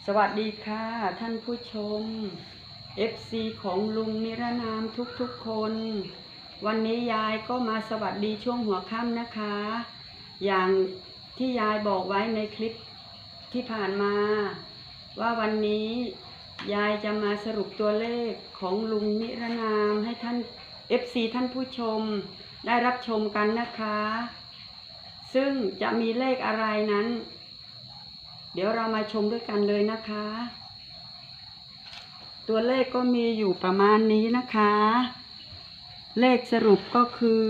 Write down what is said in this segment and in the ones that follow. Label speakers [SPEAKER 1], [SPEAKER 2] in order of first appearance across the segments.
[SPEAKER 1] สวัสดีค่ะท่านผู้ชม FC ของลุงนิรนามทุกคน วันนี้ยายก็มาสวัสดีช่วงหัวค่ำนะคะ อย่างที่ยายบอกไว้ในคลิปที่ผ่านมา ว่าวันนี้ยายจะมาสรุปตัวเลขของลุงนิรนามให้ท่าน FC ท่านผู้ชมได้รับชมกันนะคะ ซึ่งจะมีเลขอะไรนั้นเดี๋ยวเรามาชมด้วยกันเลยนะคะ ตัวเลขก็มีอยู่ประมาณนี้นะคะ เลขสรุปก็คือ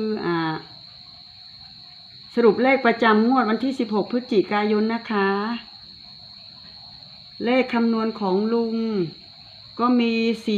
[SPEAKER 1] สรุปเลขประจำงวดวันที่16พฤศจิกายนนะคะ เลขคำนวณของลุงก็มี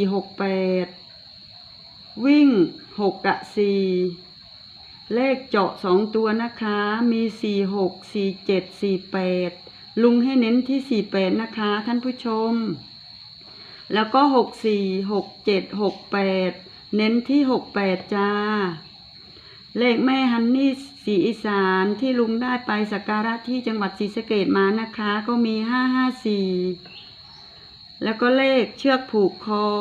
[SPEAKER 1] 468วิ่ง6กับ4เลขเจาะ2ตัวนะคะมี46 47 48ลุงให้เน้นที่48นะคะท่านผู้ชมแล้วก็64 67 68เน้นที่68จ้าเลขแม่ฮันนี่ศรีอีสานที่ลุงได้ไปสักการะที่จังหวัดศรีสะเกษมานะคะก็มี554แล้วก็เลขเชือกผูกคอ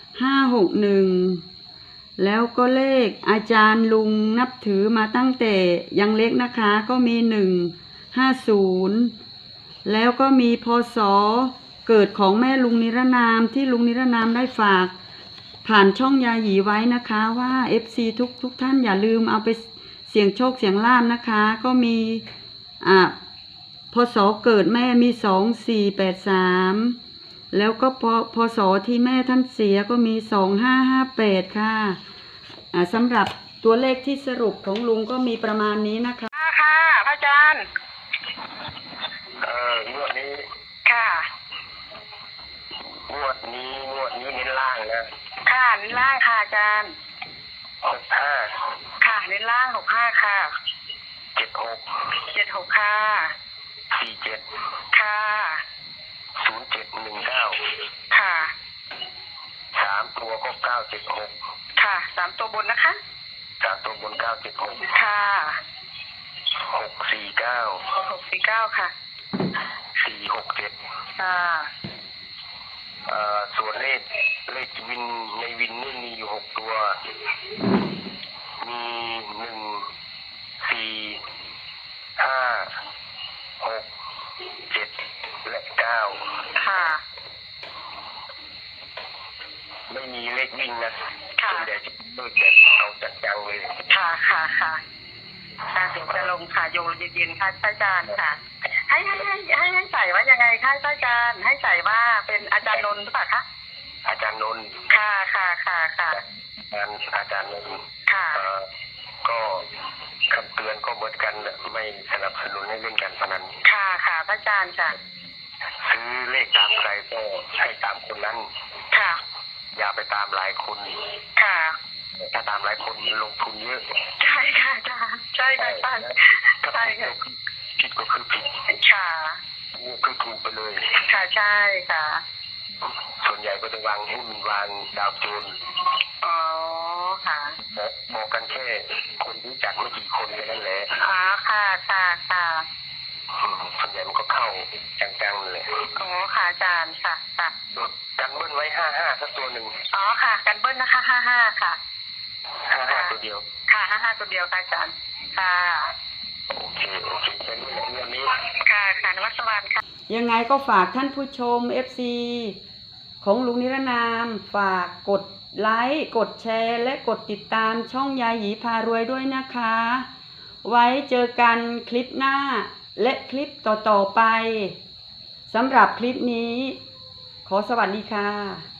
[SPEAKER 1] 561แล้วก็เลขอาจารย์ลุงนับถือมาตั้งแต่ยังเล็กนะคะก็มี150แล้วก็มีพศเกิดของแม่ลุงนิรนามที่ลุงนิรนามได้ฝากผ่านช่องยาหยีไว้นะคะว่า FC ทุกท่านอย่าลืมเอาไปเสี่ยงโชคเสี่ยงลาภนะคะก็มีพศเกิดแม่มี2483แล้วก็พศที่แม่ท่านเสียก็มี2558ค่ะสำหรับตัวเลขที่สรุปของลุงก็มีประมาณนี้นะคะ
[SPEAKER 2] ค่ะพระอาจารย์
[SPEAKER 3] งวดนี้
[SPEAKER 2] ค่ะ
[SPEAKER 3] งวดนี้เน้นล่างนะ
[SPEAKER 2] ค่ะเน้นล่างค่ะอาจารย์
[SPEAKER 3] 65
[SPEAKER 2] ค่ะเน้นล่าง65ค่ะ
[SPEAKER 3] 76
[SPEAKER 2] ค่ะ
[SPEAKER 3] 47
[SPEAKER 2] ค่ะ
[SPEAKER 3] 0719
[SPEAKER 2] ค่ะ
[SPEAKER 3] 3ตัวก็976
[SPEAKER 2] ค่ะ3ตัวบนนะคะ
[SPEAKER 3] 3ตัวบน976
[SPEAKER 2] ค่ะ
[SPEAKER 3] 649
[SPEAKER 2] ค่ะ
[SPEAKER 3] 467
[SPEAKER 2] ค่ะ
[SPEAKER 3] ส่วนเลขวินในวินนี่มีอยู่6ตัวมี1 4 5 6 7และ9
[SPEAKER 2] ค่ะ
[SPEAKER 3] ไม่มีเลขวิ่งนะ
[SPEAKER 2] ค่ะ
[SPEAKER 3] ส่วนใหญ่จะเลขแบบเอาจังๆเลย
[SPEAKER 2] ค่ะเดี๋ยวจะลงค่ะโยนเย็นๆค่ะอาจารย์ค่ะให้ใส่ว่ายังไงคะอาจารย์ให้ใส่ว่าเป็นอาจารย์นนท์หรือเปล่าคะ
[SPEAKER 3] อาจารย์นนท์
[SPEAKER 2] ค่ะ
[SPEAKER 3] อาจารย์นนท์
[SPEAKER 2] ค่ะ
[SPEAKER 3] ก็คำเตือนก็เหมือนกันไม่สนับสนุนให้เล่นการพนัน
[SPEAKER 2] ค่ะพระอาจารย์ค่ะ
[SPEAKER 3] ซื้อเลขตามใครก็ให้ตามคนนั้น
[SPEAKER 2] ค่ะ
[SPEAKER 3] อย่าไปตามหลายคน
[SPEAKER 2] ค่ะ
[SPEAKER 3] ถ้าตามหลายคนลงทุนเยอะ
[SPEAKER 2] ใช่ค่ะอาจารย์ใช่ค่ะใช่ค่ะ
[SPEAKER 3] ผิดก็คือผิด
[SPEAKER 2] ค่ะ
[SPEAKER 3] คือถูกไปเลย
[SPEAKER 2] ค่ะใช่ค่ะ
[SPEAKER 3] ส่วนใหญ่ก็จะวางหุ้นวางดาวโจน
[SPEAKER 2] อ๋อค่ะ
[SPEAKER 3] บอกกันแค่คนรู้จักไม่กี่คนแค่นั้นแหละ
[SPEAKER 2] อ๋อค่ะ
[SPEAKER 3] ส่วนใหญ่มันก็เข้าจังๆเลย
[SPEAKER 2] อ๋อค่ะอาจารย์ค่ะ
[SPEAKER 3] กันเบิ้ลไว้55สักตัวหนึ่ง
[SPEAKER 2] อ๋อค่ะกันเบิ้ลนะคะ55ค่ะ
[SPEAKER 3] 55ตัวเดียว
[SPEAKER 2] ค่ะ55ตัวเดียวค่ะอาจารย์ค่ะ
[SPEAKER 3] โอเคเป็นเรื่องนี้
[SPEAKER 2] ค่ะนมัสการค่ะ
[SPEAKER 1] ยังไงก็ฝากท่านผู้ชม FC ของลุงนิรนามฝากกดไลค์กดแชร์และกดติดตามช่องยาหยีพารวยด้วยนะคะไว้เจอกันคลิปหน้าและคลิปต่อๆไปสำหรับคลิปนี้ขอสวัสดีค่ะ